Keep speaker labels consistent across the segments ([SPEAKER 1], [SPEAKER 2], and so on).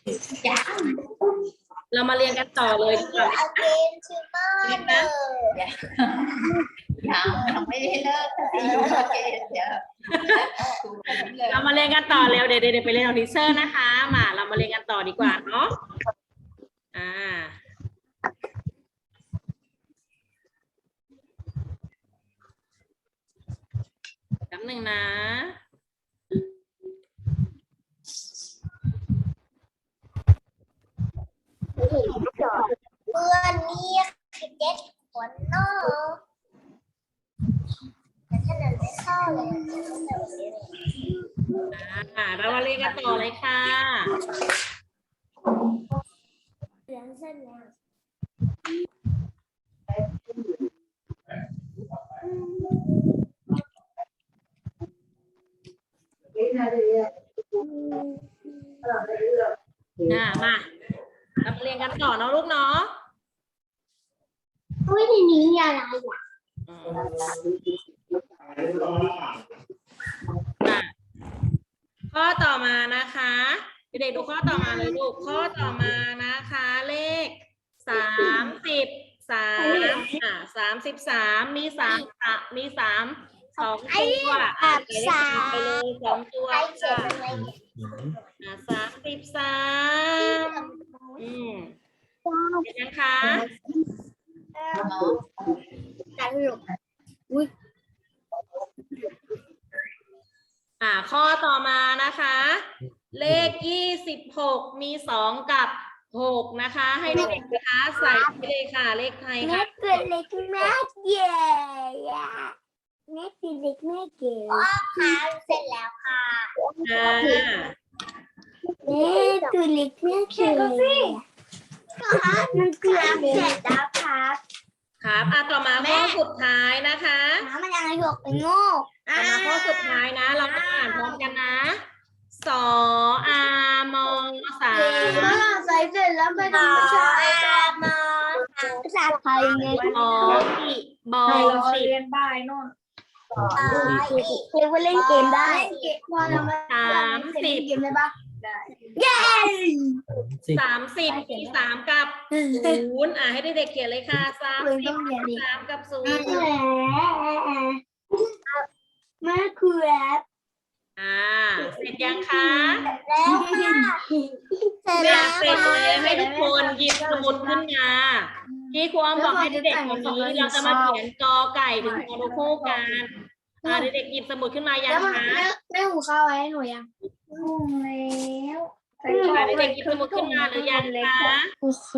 [SPEAKER 1] เรามาเรียนกันต่อเลยดีกว่า
[SPEAKER 2] again tomorrow
[SPEAKER 3] ยังไม่ได้เลิกโอเคเดี๋ยว
[SPEAKER 1] เรามาเรียนกันต่อเร็วเดี๋ยวไปเรียนของทีเชอร์นะคะ มาเรามาเรียนกันต่อดีกว่าเนาะแป๊บหนึ่งนะ
[SPEAKER 2] เมื่อนี้คือเจ็ดคนเนาะแต่ถ้าเดินไม่เข้าเลยจะต้องแบบนี้เลย
[SPEAKER 1] เรามาเรียนกันต่อเลยค่ะ
[SPEAKER 2] เลี้ยงเส้นแล้ว
[SPEAKER 1] มาเรามาเรียนกันต่อเนาะลูกเนาะ
[SPEAKER 2] อุ้ยในนี้มีอะไรอ่ะ
[SPEAKER 1] ข้อต่อมานะคะเด็กๆดูข้อต่อมาเลยลูกข้อต่อมานะคะเลข33มี33สองตัวไปเลย2ตัว
[SPEAKER 2] ใครเขียนอะไร
[SPEAKER 1] 33เห็นยังคะ
[SPEAKER 2] ตลกอุ้ย
[SPEAKER 1] ข้อต่อมานะคะ เลข26มี2กับ6นะคะ ให้เด็กๆนะคะใส่ไปเลยค่ะเลขไทย
[SPEAKER 2] แม่
[SPEAKER 1] ค่ะ
[SPEAKER 2] เกิดเล็กแม่เก๋แม่ตีเล็กแม่เก๋ค่ะเสร็จแล้วค่ะแม่ตัวเล็กแม่เก๋มันเกือบเสร็จแล้วครับ
[SPEAKER 1] ครับต่อมาข้อสุดท้ายนะคะ
[SPEAKER 2] มันยังหยกไปโง่
[SPEAKER 1] ต่อมาข้อสุดท้ายนะ เรามาอ่านพร้อมกันนะสอมสา
[SPEAKER 2] ใส่เสร็จแล้วไม่ต้องใช้ภาษาไทยไง
[SPEAKER 1] บอสิ
[SPEAKER 3] เรียนบ่ายโน่น
[SPEAKER 2] เรียกว่าเล่นเกมได้
[SPEAKER 1] 30
[SPEAKER 2] เกมได้ปะเย้
[SPEAKER 1] 30มี3กับ0ให้เด็กๆเขียนเลยค่ะ3กับ0
[SPEAKER 2] แม่คือแอป
[SPEAKER 1] เสร็จยังคะ
[SPEAKER 2] แล้วค่ะเสร็จแล้ว
[SPEAKER 1] เสร็จเลยให้ทุกคนหยิบสมุดขึ้นมาที่ครูอ้อมบอกให้เด็กๆวันนี้เราจะมาเขียนกอไก่ถึงฮอนูคู่กันเด็กๆหยิบสมุดขึ้นมายังคะ
[SPEAKER 2] แม่หูข้าวไว้ให้หนูยังหูแล้ว
[SPEAKER 1] เด็กๆหยิบสมุดขึ้นมาหรือยังคะ
[SPEAKER 2] โอเค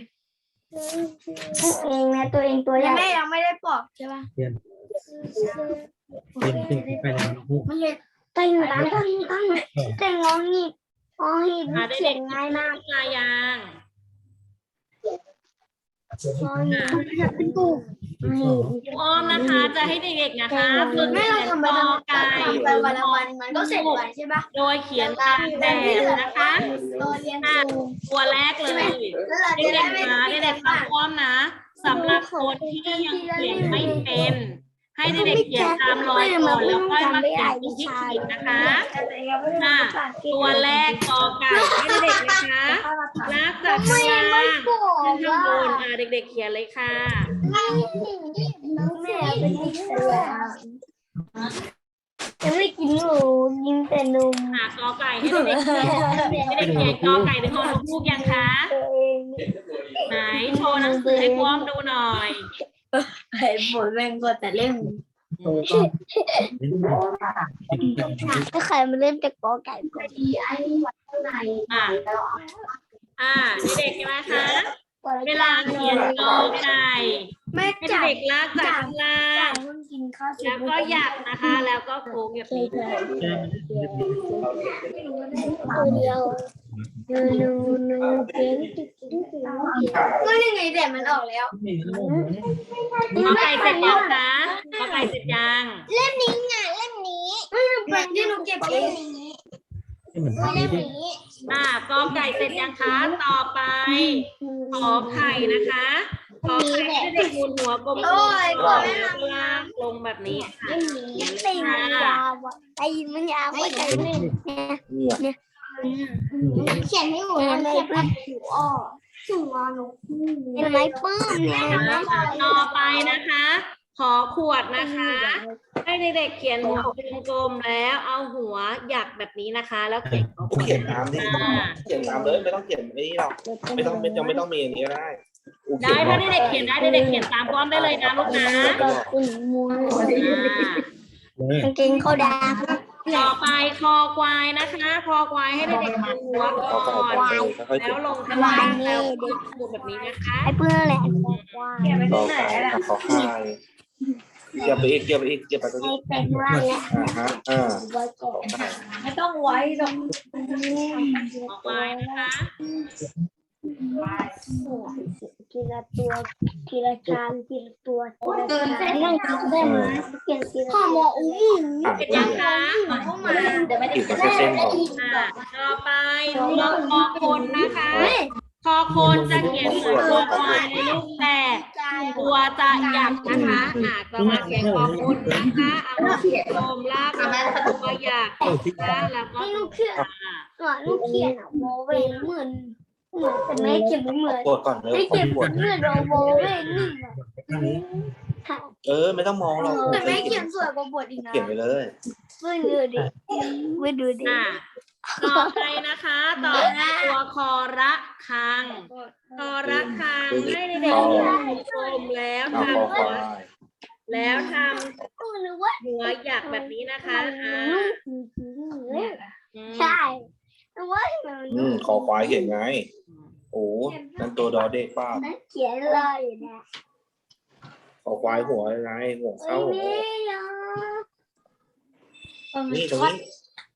[SPEAKER 2] เองนะตัวเองตัวใหญ่แม่ยังไม่ได้ปอกใช่ป่ะ
[SPEAKER 4] เรียนไปแล้วนะลูก
[SPEAKER 2] ไม่ใช่ตั้งแต่งงหิดเขียนง่ายมาก
[SPEAKER 1] มายัง
[SPEAKER 2] เป็นกู
[SPEAKER 1] ครูอ้อมนะคะ จะให้เด็กๆนะคะฝึก
[SPEAKER 2] ไม่
[SPEAKER 1] เขี
[SPEAKER 2] เรา
[SPEAKER 1] ยน
[SPEAKER 2] ทำไป
[SPEAKER 1] กอไก่
[SPEAKER 2] ไปวันละวันมันก็เสร็จวันใช่ป่ะ
[SPEAKER 1] โดยเขียนตามแบบนะคะ
[SPEAKER 2] ตัวเรียนสู
[SPEAKER 1] ตัวแรกเลยเด็กๆนะเด็กๆฟังอ้อมนะสำหรับคนที่ยังเขียนไม่เป็น ให้เด็กๆเขียนตามรอยก่อนแล้วค่อยมาเขียนตรงที่ขีดนะคะตัวแรกกอไก่ให้เด็กๆนะคะลากจากข้างล่างขึ้นข้างบนเด็กๆเขียนเลยค่ะ
[SPEAKER 2] แม่เป็นเด็กเสือยังไม่กินหมูกินแต่นม
[SPEAKER 1] กอไก่ให้เด็กๆเขียนให้เด็กๆเขียนกอไก่ถึงฮอนูกยังคะ ไหนโชว์หนังสือให้พร้อมดูหน่อย
[SPEAKER 2] ไอ้ฝนแม่งก็แต่เล่นถ้าใครมาเล่นแต่กอไก่ก็ดีไอ้วัดเท่าไหร่
[SPEAKER 1] เด็กๆใช่ไหมคะ เวลาเขียนกอไก่ให้เด็กลากจากข้างล่าง
[SPEAKER 2] กินข้าว
[SPEAKER 1] แล้วก็หยักนะคะ แล้วก็โค้งแบบนี้
[SPEAKER 2] ตัวเดียวนูเก่งก็ยังไงแต่มันออกแล้ว
[SPEAKER 1] กอไก่เสร็จยังคะกอไก่เสร็จยัง
[SPEAKER 2] เล่มนี้ไม่เป็นที่หนูเก็บเองนี้เล่มนี้
[SPEAKER 1] กอไก่เสร็จยังคะต่อไปขอไข่นะคะขอไข่ให้เด็กหมุนหัวกลมๆแล้วก็ลากลงแบบนี้ค่ะ
[SPEAKER 2] ตีมันยาวตีมันยาวก็ใจเนี่ยเขียนให้หนูเขียนแบบหูอ้อถึงงอหนูเห็นไหมปื้มเนี่ยเห็นไหม
[SPEAKER 1] ต่อไปนะคะ ขอขวดนะคะ ให้เด็กๆเขียนหัวเป็นกลมแล้วเอาหัวหยักแบบนี้นะคะ แล้วเขียน
[SPEAKER 4] กูเขียนตามดิเขียนตามเลยไม่ต้องเขียนไอ้นี่หรอกไม่ต้องมีอย่างนี้ก็ได้กูเขี
[SPEAKER 1] ได้
[SPEAKER 4] ยน
[SPEAKER 1] ถ้าเด็กๆเขียนได้เด็กๆเขียนตามพร้อมได้เลยนะลูกนะ
[SPEAKER 2] กางเกงเขาด
[SPEAKER 1] ต่อไปคอควายนะคะคอควายให้เด็กๆดูหัวก่อนแล้วลงข้างล่างแล้วดูแบบนี้นะคะ
[SPEAKER 2] ไอ้เพื่อนแหละ
[SPEAKER 3] เขียนไป
[SPEAKER 4] ต่
[SPEAKER 3] ที่
[SPEAKER 4] อ
[SPEAKER 3] ไหน
[SPEAKER 4] ไป
[SPEAKER 3] ล่ะ
[SPEAKER 4] ขอค่ายเกี่ยวไปอีกเกี่ยวไปตรง
[SPEAKER 2] ไอ้
[SPEAKER 4] นี้
[SPEAKER 2] เป็นว่าเนี่ย
[SPEAKER 4] ฮะ
[SPEAKER 2] ไว้ก่อน
[SPEAKER 3] ไม่ต้องไว้หรอก
[SPEAKER 1] คอควายนะคะ
[SPEAKER 2] ทีละตัวทีละชามทีละตัวทีละชามนั่งกินได้ไหมเขียนทีละพ่อหมออุ้ม
[SPEAKER 1] เสร็จยังคะ
[SPEAKER 3] เข้ามาเดี๋ยวไม่ได้
[SPEAKER 4] ขีดเป็นเส้นๆก่อน
[SPEAKER 1] ต่อไปตัวคอคนนะคะคอคนจะเขียนเหมือนคอควายในรูปแต่ตัวจะหยักนะคะต่อมาเขียนคอคนนะคะเอามาโคมลากมาตัวหยักนะแล้วก็
[SPEAKER 2] ลูกเขียนลูกเขียนอ่ะโมเวเหมือนแต่แม่เขียนไม่เหมือน
[SPEAKER 4] ปวดก่อนเลย
[SPEAKER 2] ไม่
[SPEAKER 4] ปว
[SPEAKER 2] เขีย
[SPEAKER 4] ด
[SPEAKER 2] น
[SPEAKER 4] ปวด
[SPEAKER 2] เหมือนโมเวนี่ค่ะ
[SPEAKER 4] ไม่ต้องมองหรอก
[SPEAKER 2] แต่แม่เขียนสวยกว่าบทอีกนะ
[SPEAKER 4] เขียนไปเลย
[SPEAKER 2] เพื่อนดูดิเพื่อนดูดิ
[SPEAKER 1] ต่อไปนะคะต่อตัวคอระคังคอระคังให้เด็กๆเขียนกลมแล้ว
[SPEAKER 4] เอา
[SPEAKER 1] ทำ
[SPEAKER 4] คอค
[SPEAKER 1] หัว
[SPEAKER 4] วาย
[SPEAKER 1] แล้วท
[SPEAKER 2] หรือว่า
[SPEAKER 1] ำหัวหยักแบบนี้นะคะ
[SPEAKER 2] ใช่หรือว่า
[SPEAKER 4] คอควายเขียนไงโอ้นั่นตัวดอเด็กป้า
[SPEAKER 2] เขียนเลยนะ
[SPEAKER 4] คอควายหัวอะไรหัวเข้า นี่ตรงนี้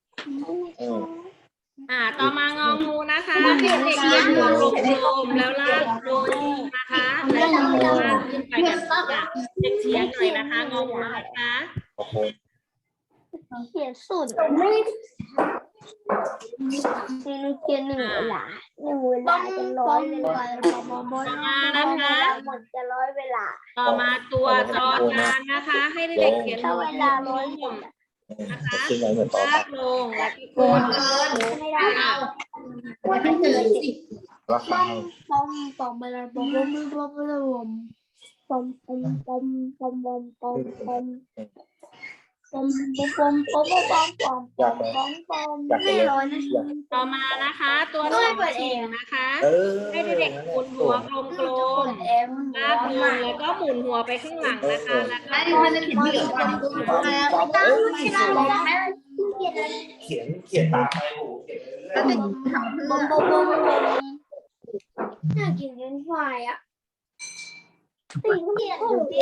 [SPEAKER 1] ต่อมางองูนะคะเด็กๆเขียนหัวกลมๆแล้วลากลงนะคะแล้วก็ลากขึ้นไปแบบนี้เด็กเขียนหน่อยนะคะงองูนะคะ
[SPEAKER 4] ขอบ
[SPEAKER 2] เขียนสุดไม่เขียน1 เวลา1 เวลาจะ100 เวลาหมดจะ100 เวลา
[SPEAKER 1] ต่อมาตัวจอจานนะคะ ให้เด็กๆเขียน
[SPEAKER 2] ถ้า
[SPEAKER 1] หัว
[SPEAKER 2] เวลา100 หมด
[SPEAKER 1] นะคะ
[SPEAKER 4] ขึ้นไปเหมือนต่อ
[SPEAKER 1] ลากลงแล้วก็โคน
[SPEAKER 2] ไม่ได้ว่าจะเกิดสิ
[SPEAKER 4] ราคา
[SPEAKER 2] ปอมเวลาปอมไม่ร้อยนะ
[SPEAKER 1] ต่อมานะคะ ตัวสองชิงนะคะ ให้เด็กๆหมุนหัวกลมๆลากลงแล้วก็หมุนหัวไปข้างหลังนะคะ แล้วก็
[SPEAKER 3] ไม่ได้เขียนที่อื่น
[SPEAKER 4] เขียนตามไปหูเขียน
[SPEAKER 3] แล้วจะทำเพื่อ
[SPEAKER 2] น่ากินเล่นควายอ่ะตีเขียนอยู่ดี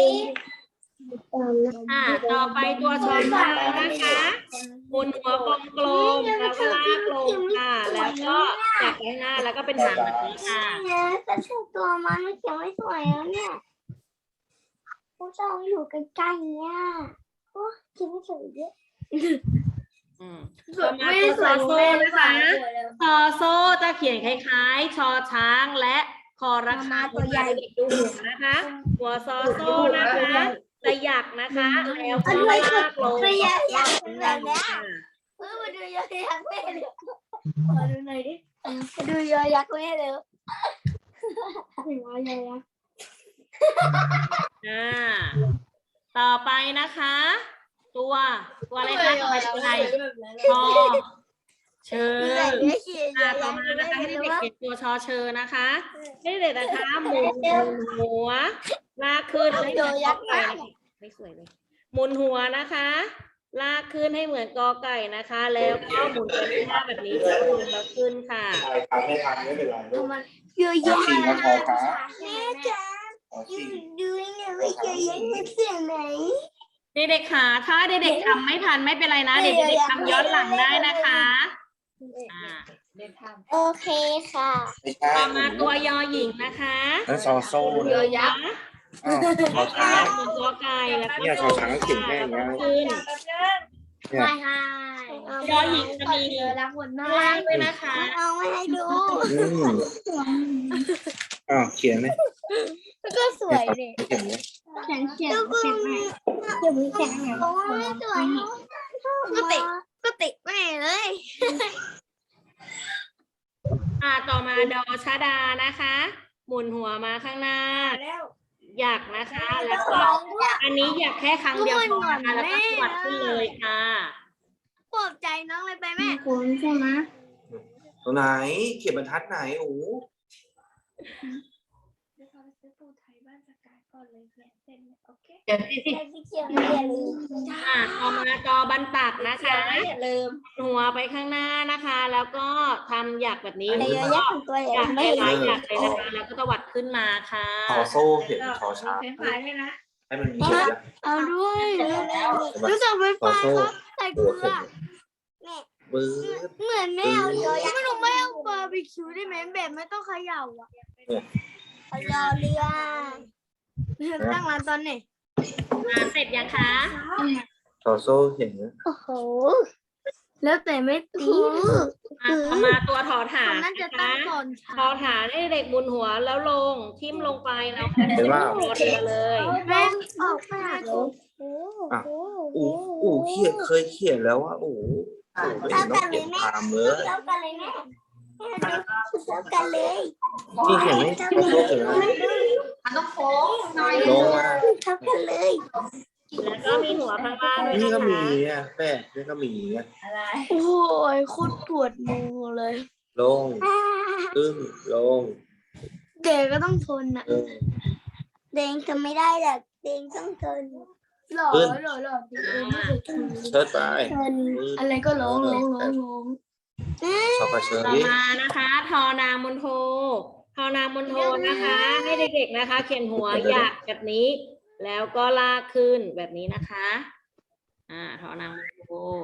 [SPEAKER 1] ต่อไปตัวชอนช้างนะคะหมุนหัวกลมๆแล้วก็ลากลงค่ะ แล้วก็จับไว้หน้าแล้วก็เป็นหางแบบนี้ค่ะ
[SPEAKER 2] แต่เชื่อตัวมันไม่เขียนไม่สวยแล้วเนี่ยผู้ชายอยู่ใกล้ๆเนี่ยโอ้คิดไม่สวยเยอะ
[SPEAKER 1] ต่อมาตัวซอโซ่นะคะซอโซ่จะเขียนคล้ายๆชอช้างและคอระฆังตัวใหญ่เด็กดูหัวนะคะ หัวซอโซ่นะคะจะหยักนะคะแล้วก็ลากลง
[SPEAKER 2] อยากแบบนี้มาดูยอยักษ์แม่เลยมาดูหน่อยดิมาดูยอยักษ์แม่เลยถึงว่ายอยักษ์
[SPEAKER 1] ต่อไปนะคะ ตัวอะไรคะต่อไปตัวอะไรชอเชอต่อมานะคะให้เด็กๆเขียนตัวชอเชอนะคะให้เด็กๆนะคะหมุนหัวลากขึ้นให้เหมือนกอไก่ไม่สวยเลยหมุนหัวนะคะ ลากขึ้นให้เหมือนกอไก่นะคะ แล้วก็หมุนไปข้างหน้าแบบนี้แล้วขึ้นค่ะ
[SPEAKER 4] ไม่ทันไม่เป็นไรลูก
[SPEAKER 2] เยอะแยะ
[SPEAKER 4] ขี่มาพอครับ
[SPEAKER 2] แม่จ๋า
[SPEAKER 4] ขี่
[SPEAKER 2] ดูเนี่ยว่าเยอะแยะมันเสียงไหน
[SPEAKER 1] เด็กๆค่ะถ้าเด็กๆทำไม่ทันไม่เป็นไรนะเด็กๆทำย้อนหลังได้นะคะ
[SPEAKER 2] โอเคค่ะ
[SPEAKER 4] ไม่ใช่
[SPEAKER 1] ต่อมาตัวยอหญิงนะคะ
[SPEAKER 4] นั่นซอโซ่
[SPEAKER 1] ยอยักษ์
[SPEAKER 4] ชอช้าง
[SPEAKER 1] หมุนตัวไก่แล้วก็
[SPEAKER 4] เนี่ยชอช้างเขียนแค่นี้
[SPEAKER 1] ขึ้น
[SPEAKER 2] ไม่ให้
[SPEAKER 1] ยอหญิงจะมี
[SPEAKER 2] รักหมดมา
[SPEAKER 1] ล่างด้วยนะคะ
[SPEAKER 2] เอาไม่ให้ดู
[SPEAKER 4] เขียนเลย
[SPEAKER 2] ก็สวยดิ
[SPEAKER 4] เขียนเลย
[SPEAKER 2] แข็งแข็งแข็งไหมเดี๋ยวมีแข็งโอ้ยสวยก็ติแม่เลย
[SPEAKER 1] ต่อมาดอชดานะคะ หมุนหัวมาข้างหน้า
[SPEAKER 2] แล้ว
[SPEAKER 1] หยักนะคะ แล้วก็อันนี้หยักแค่ครั้งเดียวพอนะคะแล้วก็สวัดขึ้นเลยค่ะ
[SPEAKER 2] ปลอบใจน้องเลยไปแม่คุณใช่ไหม
[SPEAKER 4] ตรงไหนเขียนบรรทัดไหนโอ้
[SPEAKER 3] เดี๋ยวสิ
[SPEAKER 2] ที่เขียนไม่ลืม
[SPEAKER 1] ต่อมาจอบรรตักนะคะ
[SPEAKER 3] อย่าลืม
[SPEAKER 1] หัวไปข้างหน้านะคะ แล้วก็ทำหยักแบบนี้
[SPEAKER 2] แต่เยอะแยะของตัว
[SPEAKER 1] ห
[SPEAKER 2] ใหญ่
[SPEAKER 1] ยัก
[SPEAKER 2] ไม่
[SPEAKER 1] ให้
[SPEAKER 2] เห็น
[SPEAKER 1] หลายหยักเลยนะคะ แล้วก็ตวัดขึ้นมาค่ะ
[SPEAKER 4] ชอโซ่เขียนชอช้าง
[SPEAKER 3] ขายให้นะ
[SPEAKER 4] ให้มันมีเขียน
[SPEAKER 2] เอาด้วยรู้จักไฟฟ้าครับใส่เกลือ
[SPEAKER 4] ปื้อ
[SPEAKER 2] เหมือนแม่เอาเยอะไม่รู้ไม่เอาบาร์บีคิวได้ไหมแบบไม่ต้องเขย่าอ่ะเอารอเรือตั้งร้านตอนไหน
[SPEAKER 1] เสร็จยังคะ
[SPEAKER 4] ชอโซ่เขียน
[SPEAKER 2] โอ้โหแล้วแต่ไม่ตี
[SPEAKER 1] ต่อมาตัวถอฐาน
[SPEAKER 2] น่าจะ
[SPEAKER 1] นะ
[SPEAKER 2] ตั้
[SPEAKER 1] คะ
[SPEAKER 2] งก่อน
[SPEAKER 1] ถอฐานให้เด็กบุญหัวแล้วลงทิ่มลงไปแล้ว
[SPEAKER 4] เห็นว่า
[SPEAKER 1] รอเรือเลย
[SPEAKER 2] แม่ออกมา
[SPEAKER 4] อูเขียนเคยเขียนแล้วว่าอูไม่เห็นต้องเขียนตามเลย
[SPEAKER 2] เท่ากันเลยแม่เท่ากันเลย
[SPEAKER 4] นี่เขียนไม่ชอโซ่เขียนอะไร
[SPEAKER 3] มันต้องโค้งหน่อย
[SPEAKER 4] ลงมา
[SPEAKER 2] เท่ากันเลย
[SPEAKER 1] แล้วก็มีหัวข้างล่างด้วย
[SPEAKER 4] นี่
[SPEAKER 1] นะ
[SPEAKER 4] ก็มี
[SPEAKER 1] คะ
[SPEAKER 4] อ่ะแป้นี่ก็มีอ่ะ
[SPEAKER 3] อะไร
[SPEAKER 2] โอ้ยโคตรปวดมือเลย
[SPEAKER 4] ลงขึ้นลง
[SPEAKER 2] เด็กก็ต้องทนอ่ะ
[SPEAKER 5] เด้งทำไม่ได้หรอกเด้งต้องทน
[SPEAKER 2] หล่อ
[SPEAKER 4] เชิดไป
[SPEAKER 5] ทน
[SPEAKER 2] อะไรก็ร้อง
[SPEAKER 4] ชอบกระเชิญ
[SPEAKER 1] ต่อ
[SPEAKER 4] ดิ
[SPEAKER 1] มานะคะ ทอนางมณโททอนางมณโทนะคะ ให้เด็กๆนะคะ เขียนหัวหยักแบบนี้ แล้วก็ลากขึ้นแบบนี้นะคะทอนางมณโท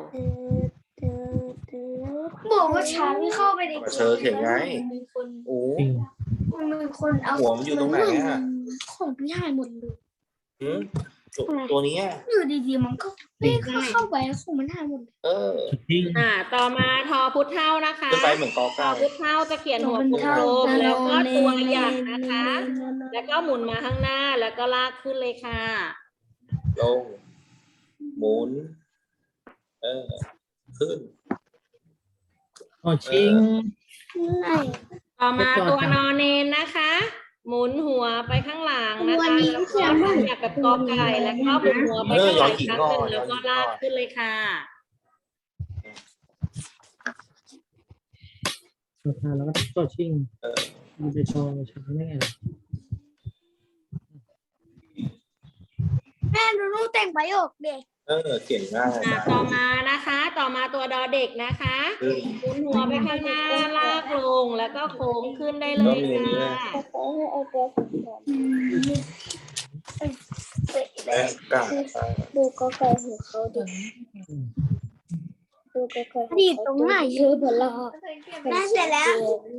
[SPEAKER 2] บอกว่าช้างที่เข้าไปใน
[SPEAKER 4] กระเชิญเขียนไงโอ้
[SPEAKER 2] มันมีคนเอา
[SPEAKER 4] หัวมันอยู่ตรงไหนอ่ะ
[SPEAKER 2] ของพี่ชายหมดเลย
[SPEAKER 4] ตัวนี้
[SPEAKER 2] อยู่ดีๆมันก็ไม่เข้าไปของมันหายหมดเลย
[SPEAKER 1] ต่อมาทอพุทธเท่านะคะ
[SPEAKER 4] ขึ้นไปเหมือนกอ
[SPEAKER 1] ท
[SPEAKER 4] ไก่
[SPEAKER 1] อพุทธเท่าจะเขียนหัวกลมๆแล้วก็ตัวหยักนะคะ แล้วก็หมุนมาข้างหน้าแล้วก็ลากขึ้นเลยค่ะ
[SPEAKER 4] ลงหมุนขึ้น
[SPEAKER 6] ชิง
[SPEAKER 1] ต่อมาตัวนอนเนนนะคะ หมุนหัวไปข้างหลังนะคะแล้วก็อยากแบบกอไก่แล้วก็หมุนหัวไปข้างหลังครั้งหนึ่งแล้วก็ลากขึ้นเลยค่ะ
[SPEAKER 6] ตัวทานแล้วก็ตัวชิงมันจะโชว์ช้างได้ไง
[SPEAKER 2] แม่ดูลูกแต่งประโยคเด็ก
[SPEAKER 4] เขียนง่าย
[SPEAKER 1] ต่อมานะคะ ต่อมาตัวดอเด็กนะคะหมุนหัวไปข้างหน้าลากลงแล้วก็โค้งขึ้นได้เลยค่ะ
[SPEAKER 4] กา
[SPEAKER 5] ดูก็ไกลของเขาดิดูก็ไกล
[SPEAKER 2] ดีตรงไหนเยอะเบลอ
[SPEAKER 5] แม่เสร็จแล้ว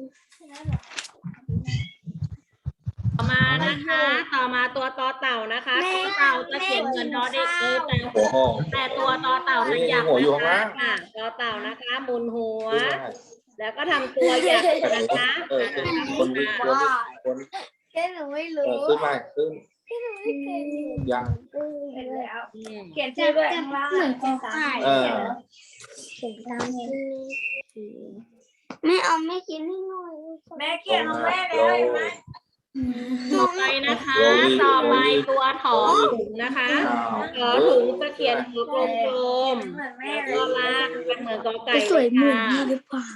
[SPEAKER 1] ต่อมานะคะ ต่อมาตัวตอเต่านะคะตอเต่าจะเขียนเหมือนดอเด็กเลย
[SPEAKER 4] หัวหอม
[SPEAKER 1] แต่ตัวตอเต่าจะหยัก
[SPEAKER 4] หัวอยู่
[SPEAKER 1] นะ
[SPEAKER 4] ข้าง
[SPEAKER 1] คะ
[SPEAKER 4] ล่าง
[SPEAKER 1] ตอเต่านะคะหมุนหัว แล้วก็ทำตัวหยักนะคะ
[SPEAKER 4] คนคน
[SPEAKER 2] แค่หนูไม่รู้
[SPEAKER 4] ขึ้นมาขึ้นยัง
[SPEAKER 3] เสร็จแล้วเขียนชื่อด้วยข้างล่าง
[SPEAKER 2] เหมือนกอไก่
[SPEAKER 5] เขียนตามนี้แม่เอาไม่กินให้หน่อย
[SPEAKER 3] แม่เขียนของแม่แล้วเห็นไหม
[SPEAKER 1] ต่อไปนะคะ ต่อไปตัวถอถุงนะคะถอถุงจะเขียนหัวกลมๆแล้วก็ลากเป็นเหมือนกอไก่
[SPEAKER 2] สวยเหมือน
[SPEAKER 1] ค่ะ
[SPEAKER 2] นี่หรือเปล่า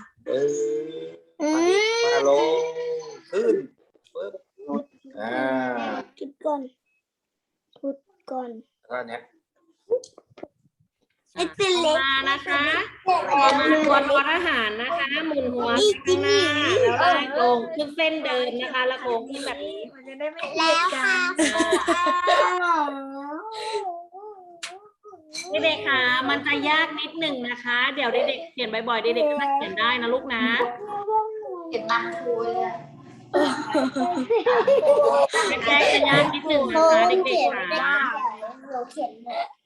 [SPEAKER 4] มาลงขึ้น
[SPEAKER 5] จุดก่อนพุดก่อน
[SPEAKER 4] แล้วเนี้ย
[SPEAKER 5] ไอ้เป็น
[SPEAKER 1] ต่อ
[SPEAKER 5] เล็ก
[SPEAKER 1] มานะคะต่อมาตัวทอทหารนะคะ หมุนหัวข้างหน้าแล้วลากลงขึ้นเส้นเดินนะคะ แล้วโค้งขึ้นแบบนี้
[SPEAKER 3] มันจะได้ไม่
[SPEAKER 5] แล้วค่ะ
[SPEAKER 1] เด็กๆค่ะ มันจะยากนิดหนึ่งนะคะ เดี๋ยวเด็กๆเขียนบ่อยๆเด็กๆก็จะเขียนได้นะลูกนะ
[SPEAKER 3] เขียนตามครูเลยอะ
[SPEAKER 1] แรกๆจะยากนิดหนึ่งนะคะเด็กๆค่ะ
[SPEAKER 5] เราเขียน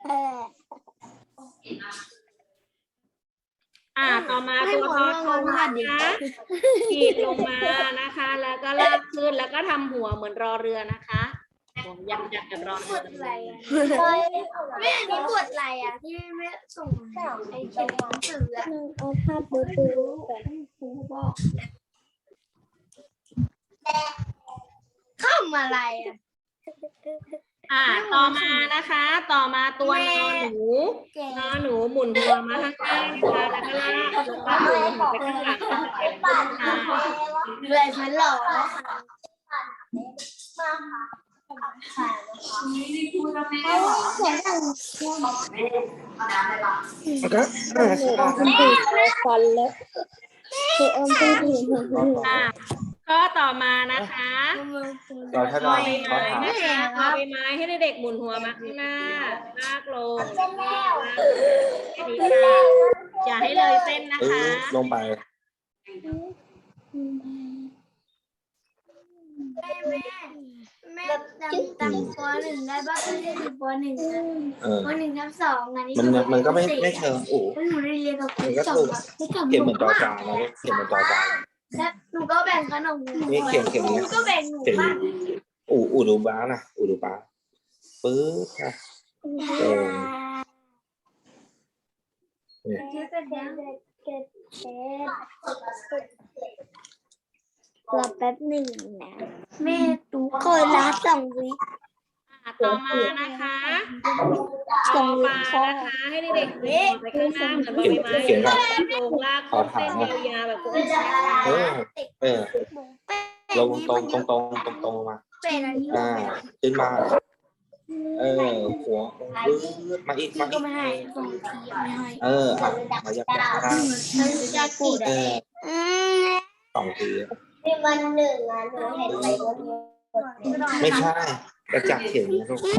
[SPEAKER 1] ต่อมาตัวทอทงนะคะขีดลงมานะคะ แล้วก็ลากขึ้นแล้วก็ทำหัวเหมือนรอเรือนะคะผมยักษ์กับรอเรือ
[SPEAKER 2] แม่อันนี้ปวดไหล่อ่ะที่แม่ส่งไอ้เขียนหนังสืออ่ะ
[SPEAKER 5] เอาภาพดูก่อน
[SPEAKER 2] ครูบอกำอะไรอ่ะ
[SPEAKER 1] ต่อมานะคะ ต่อมาตัวนอนหนูหมุนหัวมาข้างหน้านะคะแล้วก็ลากแล้วก็หมุนไปข้างหลังค่ะ
[SPEAKER 2] เลยฉันหล่อ
[SPEAKER 5] ฟันเลยคืออมไปถึง
[SPEAKER 1] ก็ต่อมานะคะ
[SPEAKER 4] เราถ้า
[SPEAKER 1] บ
[SPEAKER 4] เรา
[SPEAKER 1] อใบ
[SPEAKER 4] เขา
[SPEAKER 1] ไม้
[SPEAKER 4] ถาม
[SPEAKER 1] นะคะบอใบไม้ให้เด็กๆหมุนหัวมาข้างหน้าลากลงแค่นี้ค่ะอย่าให้เลยเส้นนะคะ
[SPEAKER 4] ลงไป
[SPEAKER 2] แม่จำปหนึ่งได้บ้างไม่ได้ถึงปหนึ่งนะ ปหนึ่งทับสองอันนี้
[SPEAKER 4] มันก็ไม่เชิงอู่
[SPEAKER 2] หนูได้เรียนกับคุณ
[SPEAKER 4] มันก็
[SPEAKER 2] สอ
[SPEAKER 4] ถู
[SPEAKER 2] ง
[SPEAKER 4] กเขียนเหมือนจอจานนะเขียนเหมือนจอจาน
[SPEAKER 2] แล้วหนูก็แบ่งขนม
[SPEAKER 4] นี่เขียน
[SPEAKER 2] หนูก็แบ่งหนู
[SPEAKER 4] เขียน
[SPEAKER 2] บ้าง
[SPEAKER 4] อู่ดูบ้านะอู่ดูบ้าปึ๊บค่ะ
[SPEAKER 5] รอแป๊บหนึ่งนะ
[SPEAKER 2] แม่ตู้
[SPEAKER 5] คนละ2 วิ
[SPEAKER 1] ต่อมานะคะต่อมานะคะ ให้เด็กๆหมุนหัวไปข้างหน้าเหมือนบอใบไม้ลากลงลากขึ้นเส้นยาวๆแบบพวกนี้
[SPEAKER 4] ลงตรงมา
[SPEAKER 2] เป็นอันนี้
[SPEAKER 4] ขึ้นมาหัวมาอีก
[SPEAKER 2] ก็ไม่ให้ส่งทีไม่ให้
[SPEAKER 4] มายักได้
[SPEAKER 2] ยากูด
[SPEAKER 4] 2 ที
[SPEAKER 5] นี่มัน1อ่ะหนูเห็นไปบน
[SPEAKER 4] ไม่ใช่กระจับเขียนนะลูก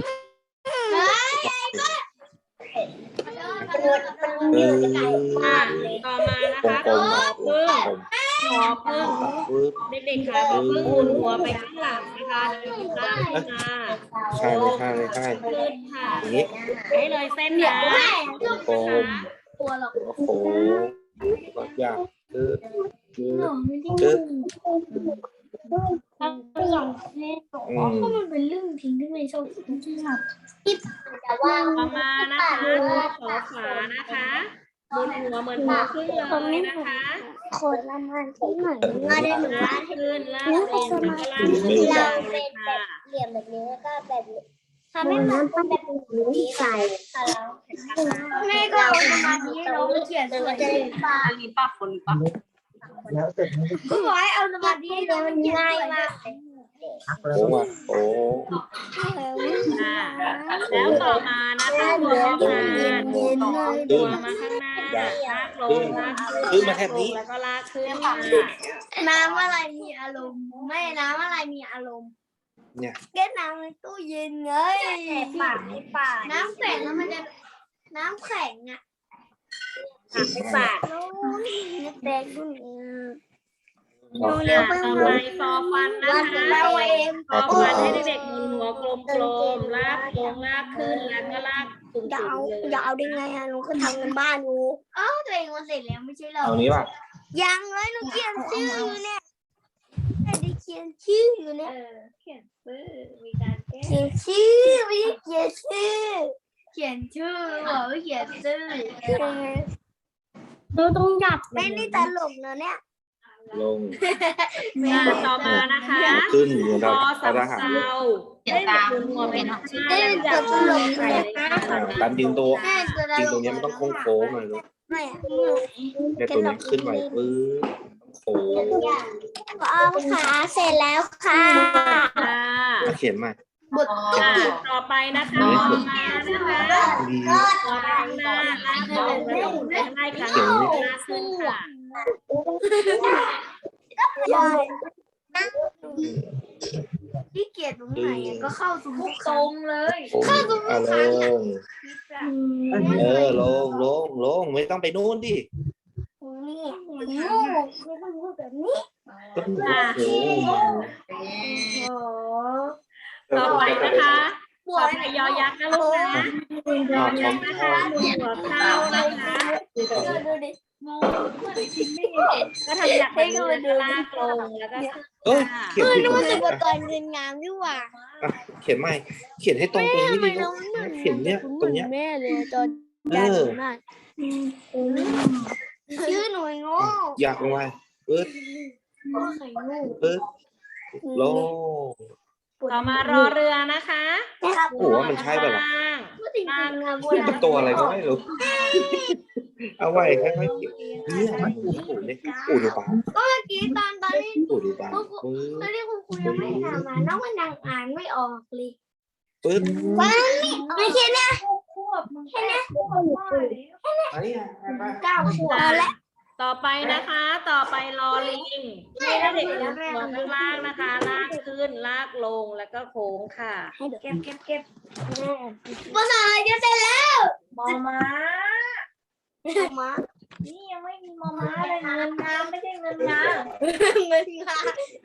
[SPEAKER 1] ต่อมานะคะ
[SPEAKER 4] กลม
[SPEAKER 1] ขอพึ่งเด็กๆค่ะขอพึ่งหมุนหัวไปข้างหลังนะคะลากขึ้นมา
[SPEAKER 4] ใช่เลย
[SPEAKER 1] ขึ้นค่ะ
[SPEAKER 4] อย่างนี้
[SPEAKER 1] ให้เลยเส้นนะ
[SPEAKER 4] กลม
[SPEAKER 2] ตัวหรอก
[SPEAKER 4] โอ้โหก็ยากคือ
[SPEAKER 2] ก็มันเป็นเรื่องทิ้งที่ไม่ชอบแต่ว่า
[SPEAKER 1] ต่อมานะคะขอฝานะคะหมุนหัวเหมือนหัวขึ้นเลยนะคะ
[SPEAKER 5] คนละมันที่ไหน
[SPEAKER 2] มาได้หนู
[SPEAKER 1] ลากขึ้นลากลงแล้วก็ลากขึ้นยาวเลยค่ะ
[SPEAKER 5] เหลี่ยมแบบนี้แล้วก็แบบทำให้มันเป็นแบบนี้ใส่
[SPEAKER 2] แม่ก็เอาสมาธิเราเขียนสวย
[SPEAKER 3] อันนี้ป้าคนป้า
[SPEAKER 6] แล้วเสร็จมัน
[SPEAKER 2] ก็บอกให้เอาสมาธิเรามันง่ายมาก
[SPEAKER 4] โอ้ว่ะโอ้
[SPEAKER 1] แล้วต่อมานะคะหัวมาหัวมาข้างหน้าลากลงลากขึ้นแล้วก็ลากขึ้นค่ะ
[SPEAKER 2] น้ำอะไรมีอารมณ์ไม่น้ำอะไรมีอารมณ์
[SPEAKER 4] เนี่ย
[SPEAKER 2] แก้น้ำในตู้เย็นเลยน้ำแข็งแล้วมันจะน้ำแข็งอ่ะ
[SPEAKER 1] ไปฝาก
[SPEAKER 2] แดงด้วย
[SPEAKER 1] ต่อไปฟอฟันนะคะฟอฟันให้เด็กๆหมุนหัวกลมๆลากลงลากขึ้นแล้วก็ลากสูง
[SPEAKER 5] อย่า
[SPEAKER 1] ๆ
[SPEAKER 5] เอา
[SPEAKER 1] เลย
[SPEAKER 5] อย่าเอาได้ไงหนูก็ทำกันบ้านอยู่
[SPEAKER 2] ตัวเองมันเสร็จแล้วไม่ใช่หรอ
[SPEAKER 4] เอานี้ป่ะ
[SPEAKER 5] ยังเลยหนูเขียนชื่ออยู่เนี่ยไม่ได้เขียนชื่ออยู่เนี่ย
[SPEAKER 2] เขียนชื่อมีการแก้
[SPEAKER 5] เขียนชื่อไม่ได้เขียนชื่อ
[SPEAKER 2] เขียนชื่อบอกว่าเขียนชื่อ
[SPEAKER 5] เราต้องหยับไม่ได้ตลกนะเนี่ย
[SPEAKER 4] ลง
[SPEAKER 1] ต่อมานะคะ
[SPEAKER 4] ขึ้นเหมือน
[SPEAKER 1] พ
[SPEAKER 4] เรา
[SPEAKER 1] อสำ
[SPEAKER 4] ทหาร
[SPEAKER 1] เภาให้เด็กหมุนหัวไปข้างหน้าแล้วจับลงใส่เลยค่ะ
[SPEAKER 4] ตามจริงตัว
[SPEAKER 2] แม่จะได้
[SPEAKER 4] จริงตรงนี้มันต้องโค้งหน่อยลูก
[SPEAKER 5] ไม่
[SPEAKER 4] เนี่ยตัวนี้ขึ้นไปปึ๊บโค้ง
[SPEAKER 5] เอาขาเสร็จแล้วค่ะ
[SPEAKER 1] ค่ะ
[SPEAKER 4] เขียนใหม่
[SPEAKER 1] ต่อไปนะคะต่อมานะคะ
[SPEAKER 4] ดี
[SPEAKER 1] หัวไปข้างหน้าลากลงแล้วก็หมุนไปข้างหน้าอีกครั้งหนึ่งลากขึ้นค่ะ
[SPEAKER 2] ที่เกียรตรงไหนก็เข้าสู่ตรงเลย
[SPEAKER 4] โค้งลงไม่ต้องไปนู่นดิ
[SPEAKER 5] นี่งูไม่ต้องพูดแบบนี้
[SPEAKER 4] ก็โค้ง
[SPEAKER 1] ต่อไปนะคะหัวไปยอยักษ์นะลูกนะยอยักษ์นะคะหมุนหัวเข้านะคะ
[SPEAKER 2] ดูดิมอง
[SPEAKER 1] ก็ทำจากแบบนี้แล้วก็ลากลงแล้วก็
[SPEAKER 4] เอ้ยเขียนผิด
[SPEAKER 5] รู้
[SPEAKER 4] ตรง
[SPEAKER 5] สึ
[SPEAKER 4] นี้
[SPEAKER 5] กว่าตอนเรียนงามดีกว่า
[SPEAKER 4] เขียนใหม่เขียนให้ตรงตรงนี้ดิลูกเขียนเนี่ยตรงเนี้ย
[SPEAKER 5] แม่เลยตอน
[SPEAKER 4] เออ
[SPEAKER 5] ชื่อหน่วยโง่
[SPEAKER 4] อยากลงไปปึ๊บ
[SPEAKER 2] ไข่งู
[SPEAKER 4] ปึ๊บลง
[SPEAKER 1] ต่อมารอเรือนะคะ
[SPEAKER 2] นะครับ
[SPEAKER 4] โอ้โหมันใช่ป่ะล่ะ
[SPEAKER 1] ล่าง
[SPEAKER 2] พูดถึงงานโบ
[SPEAKER 4] นี่
[SPEAKER 2] รา
[SPEAKER 4] เป็น
[SPEAKER 2] ณ
[SPEAKER 4] ตัวอะไรก็ไม่รู้ เอาไว้ค่อยๆเก็บเนี่ยมันปู่เนี่ยปู่ดูปาก
[SPEAKER 2] เมื่อกี้ตอนที่
[SPEAKER 4] ปู่ดูปาก
[SPEAKER 2] ตอนที่คุณครูยังไม่ถามมาน้องมันยังอ่านไม่ออกเลย
[SPEAKER 4] ปึ๊บ
[SPEAKER 2] ไม่ใช่นะ
[SPEAKER 4] อันนี้
[SPEAKER 2] เก้าขวบแล้ว
[SPEAKER 1] ต่อไปนะคะ ต่อไปรอลิงให้เด็กๆหัวข้างล่างนะคะ ลากขึ้น ลากลง แล้วก็โค้งค่ะ
[SPEAKER 2] เก็บภาษาอะไรจะเสร็จแล้ว
[SPEAKER 3] มอม้า
[SPEAKER 2] มา
[SPEAKER 3] นี่ยังไม่มีมอม้าเลยเงินงาไม่ใช่เงินงา
[SPEAKER 2] เงินมา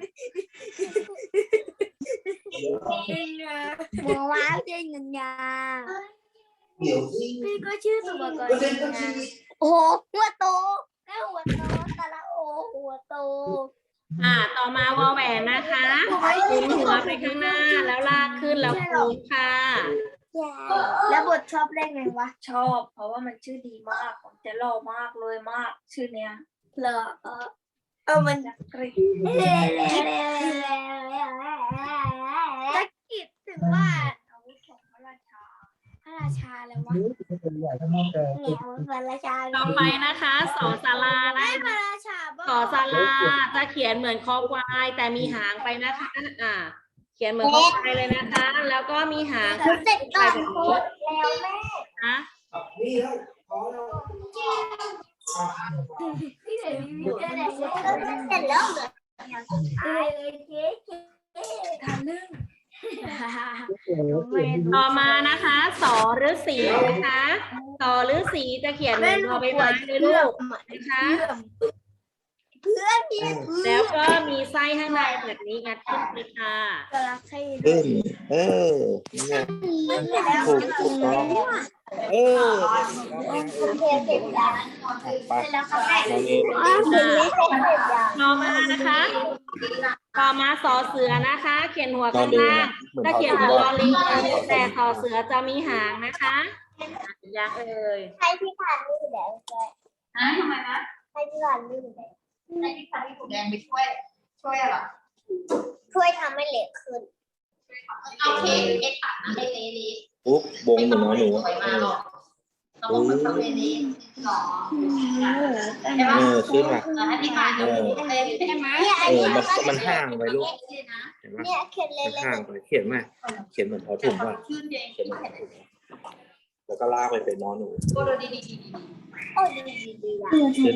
[SPEAKER 2] หมอว้าวเจเงินยา
[SPEAKER 4] เดี๋ยว
[SPEAKER 2] พี่ก็ชื่อสุภกรเงินยาโอ้หัวโตแล้วหัวโตตะละโอหัวโต
[SPEAKER 1] ต่อมาวอแหวนนะคะหมุนหัวไปข้างหน้า แล้วลากขึ้น แล้วโค้งค่ะ
[SPEAKER 2] แล้วบทชอบเล่นไงวะ
[SPEAKER 3] ชอบ เพราะว่ามันชื่อดีมากผมจะหล่อมากเลยมาก ชื่อเนี้ย
[SPEAKER 2] เหรอมันตะกิดถึงว่าอาวุธของพระราชาอะไรวะเนี่ยพระราชา
[SPEAKER 1] ต่อไปนะคะสอศาลานะ
[SPEAKER 2] พระราชา
[SPEAKER 1] สอศาลาจะเขียนเหมือนคอควาย แต่มีหางไปนะคะ เขียนเหมือนคอควายเลยนะคะ แล้วก็มีหาง
[SPEAKER 2] เสร็จก่อน
[SPEAKER 1] แบบ
[SPEAKER 2] โค
[SPEAKER 1] นี้
[SPEAKER 2] ตรแล้วแม่
[SPEAKER 1] นะ
[SPEAKER 4] นี่แล้วพอแล้ว
[SPEAKER 2] พี่เดี๋ยวมีเสร็จแล้วเหรอทำเรื่อง
[SPEAKER 1] ต่อมานะคะสอฤาษีนะคะสอฤาษีจะเขียนเหมือนรอใบไม้เลยลูกนะคะ
[SPEAKER 2] เพื่อนพี่
[SPEAKER 1] แล้วก็มีไส้ข้างในแบบนี้งัดขึ้นไปค่ะ
[SPEAKER 2] กำลังให้
[SPEAKER 4] ขึ้นเนี่ยถูกต้องไปน้องเอง
[SPEAKER 1] ต่อมานะคะ ต่อมาสอเสือนะคะ เขียนหัวข้างล่างถ้าเขียนเหมือนลอลิงแต่สอเสือจะมีหางนะคะยังเอ่ย
[SPEAKER 2] ให้พี่ผ่านนี่แดงเลย
[SPEAKER 3] ทำไมนะ
[SPEAKER 2] ให้พี่ผ่านนี่แดง
[SPEAKER 3] ให้พี่พันธุ์ถูกแดงไปช่วยอะไร
[SPEAKER 2] ช่วยทำให้เหล็กขึ้น
[SPEAKER 3] เอาเค้กตัดนะให้เละ
[SPEAKER 4] ปุ๊บวงเหมือนน้องหนู
[SPEAKER 3] สวยมากหรอกต้องมันทำเละหรอใช่ไหม
[SPEAKER 4] ขึ้นมา
[SPEAKER 3] ให้พี่พันธุ์เละใช่ไหม
[SPEAKER 4] มันห่างไปลูกเห็นไหม
[SPEAKER 2] เนี่ยเขียนเล็
[SPEAKER 4] มัน
[SPEAKER 2] ก
[SPEAKER 4] ห่างไปเขียนไหมเขียนเหมือนพอถุงว่า
[SPEAKER 3] ชื่นเอง
[SPEAKER 4] เขียนเหมือนพอถุงแล้วก็ลากไปเป็นน้องหนู
[SPEAKER 3] ก็ดูดี
[SPEAKER 2] ๆโอ้ดีอ่ะ
[SPEAKER 4] ขึ้น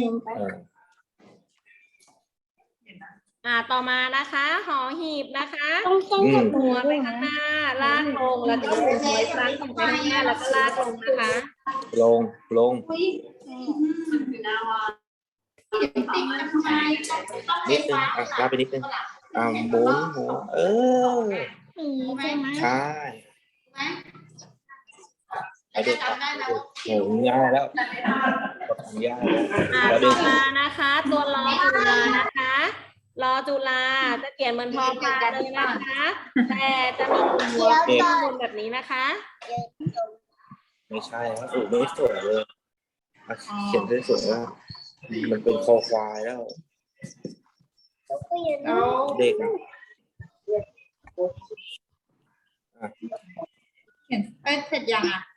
[SPEAKER 4] มา
[SPEAKER 1] ต่อมานะคะหอหีบนะคะ
[SPEAKER 2] ต้อง
[SPEAKER 1] หัวไปข้างหน้า ลากลงแล้วก็หัวอีกครั้งส่งไปข้างหน้าแล้วก็ลากลงนะคะ
[SPEAKER 4] ลง
[SPEAKER 3] อยู่นาวา
[SPEAKER 4] นิดนึงลากไปนิดนึงหมุนหัวใช่ไอเด็กโหง่ายแล้วง่ายแล้ว
[SPEAKER 1] ต่อมานะคะ ตัวรอจุฬานะคะรอจุฬาจะเขียนเหมือนพอพานเลยนะคะ แต่จะมีหัวเป็นบนแบบนี้นะคะ
[SPEAKER 4] ไม่ใช่ครับไม่สวยเลยเขียนได้สวยแล้วมันเป็นคอควายแล้วเด็ก
[SPEAKER 3] เห็นเสร็จยังอ่ะ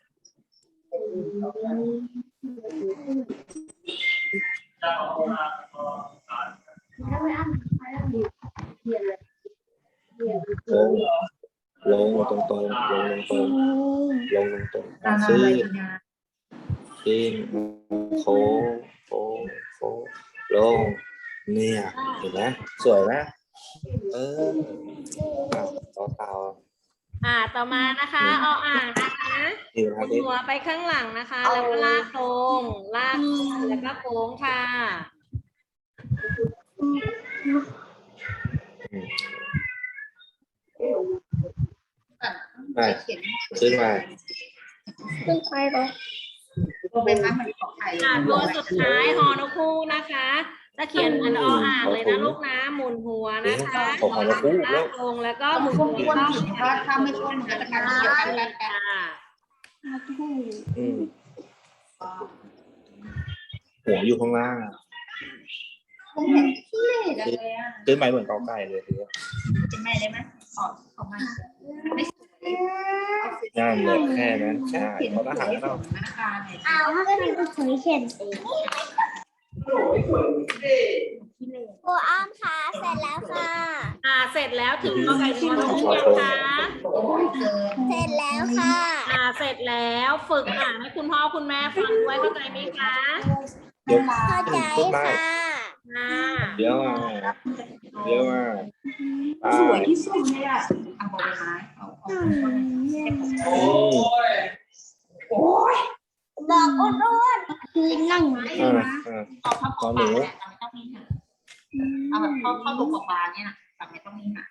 [SPEAKER 4] ลงตรงขึ้นโค้งลงเนี่ยเห็นไหมสวยไหมต่อ
[SPEAKER 1] ต่อมานะคะอ่างนะคะหัวไปข้างหลังนะคะ แล้วก็ลากลงลากแล้วก็โค้งค่ะ
[SPEAKER 4] ไปขึ้นมา
[SPEAKER 2] ขึ้นไปเหรอ
[SPEAKER 3] ตัวเป็นไม้เหมือนของไทย
[SPEAKER 1] ตัวสุดท้ายฮอนกคู่นะคะจะเขียนเหมือนอ่างเลยนะลูกนะหมุนหัวนะคะลากลงแล้วก็หมุนหัวเข้า
[SPEAKER 3] ถ้าไม่ช่วยมันจะการเกี่ยวกัน
[SPEAKER 1] ค่ะ
[SPEAKER 4] หัวอยู่ข้างล่าง
[SPEAKER 3] ผมเห็นที่เล่จังเลยอ่ะ
[SPEAKER 4] ขึ้นไปเหมือนกอไก่เลยทีเดียว
[SPEAKER 3] เป็นไงได้ไหมออกมาไม่สวย
[SPEAKER 4] งานเลยแค่นั้นใช่ขอทหารเรา
[SPEAKER 3] ธนาคารเนี่ย
[SPEAKER 5] เอาก็เป็นคนเขียนเองโอ้อ้อมค่ะเสร็จแล้วค่ะ
[SPEAKER 1] เสร็จแล้วถึงกอไก่ถึงนอหนูยังคะ
[SPEAKER 5] เสร็จแล้วค่ะ
[SPEAKER 1] เสร็จแล้วฝึกอ่านให้คุณพ่อคุณแม่ฟังด้วยเข้าใจไหมคะ
[SPEAKER 4] เดี๋ยว
[SPEAKER 5] เข้าใจ
[SPEAKER 4] ขึ้นมา
[SPEAKER 5] ค่ะ
[SPEAKER 4] เดี๋ยวมาเดี๋ยวมาไป
[SPEAKER 3] สวยที่สุดเลยอ่ะเอาใบไม้เอา
[SPEAKER 4] โอ้
[SPEAKER 5] บอกอ้วนๆคือนั่ง
[SPEAKER 3] เอาเข้าปลาเนี่ยไม่ต้องมีหางเอาแบบเข้าตัวปลาเนี่ยนะแต่ไม่ต้องมีหาง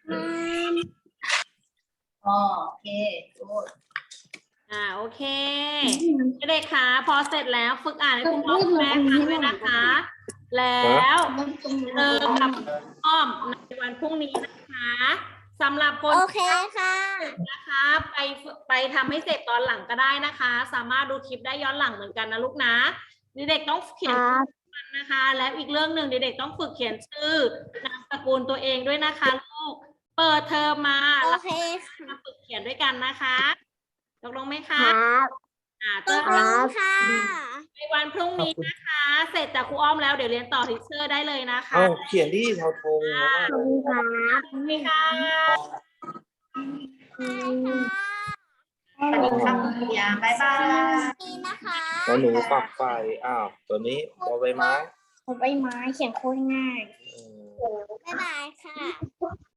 [SPEAKER 3] โอเคโอ้
[SPEAKER 1] โอเคเด็กๆคะพอเสร็จแล้วฝึกอ่านให้คุณพ่อคุณแม่ฟังด้วยนะคะ แล้วเจอกับอ้อมในวันพรุ่งนี้นะคะสำหรับคน
[SPEAKER 5] โอเคค่ะ
[SPEAKER 1] นะคะไปทำให้เสร็จตอนหลังก็ได้นะคะ สามารถดูคลิปได้ย้อนหลังเหมือนกันนะลูกนะเด็กๆต้องเขียนชื่อนะคะ แล้วอีกเรื่องหนึ่งเด็กๆต้องฝึกเขียนชื่อนามสกุลตัวเองด้วยนะคะลูกเปิดเทอมมา
[SPEAKER 5] โอ
[SPEAKER 1] แล้ว
[SPEAKER 5] เค
[SPEAKER 1] มาฝึกเขียนด้วยกันนะคะตกลงไหม
[SPEAKER 5] ค
[SPEAKER 1] คะ
[SPEAKER 5] รับ
[SPEAKER 1] เจ
[SPEAKER 5] ต
[SPEAKER 1] อก
[SPEAKER 5] ล
[SPEAKER 1] กัน
[SPEAKER 5] งค่ะ
[SPEAKER 1] ในวันพรุ่งนี้นะคะ เสร็จจากครูอ้อมแล้วเดี๋ยวเรียนต่อทิเชอร์ได้เลยนะคะ
[SPEAKER 4] เอาเขียนที่เทาธงนะ
[SPEAKER 5] ขอบคุณครับ
[SPEAKER 1] ขอบคุณค่ะ
[SPEAKER 3] สวัสดีครับคุณยาบ๊ายบาย
[SPEAKER 5] นี่นะคะ
[SPEAKER 4] แล้วหนูปักไฟตัวนี้ตัวใบไม้
[SPEAKER 5] ผมใบไม้เขียนโคตรง่าย
[SPEAKER 4] เออ
[SPEAKER 5] บ๊ายบายค่ะ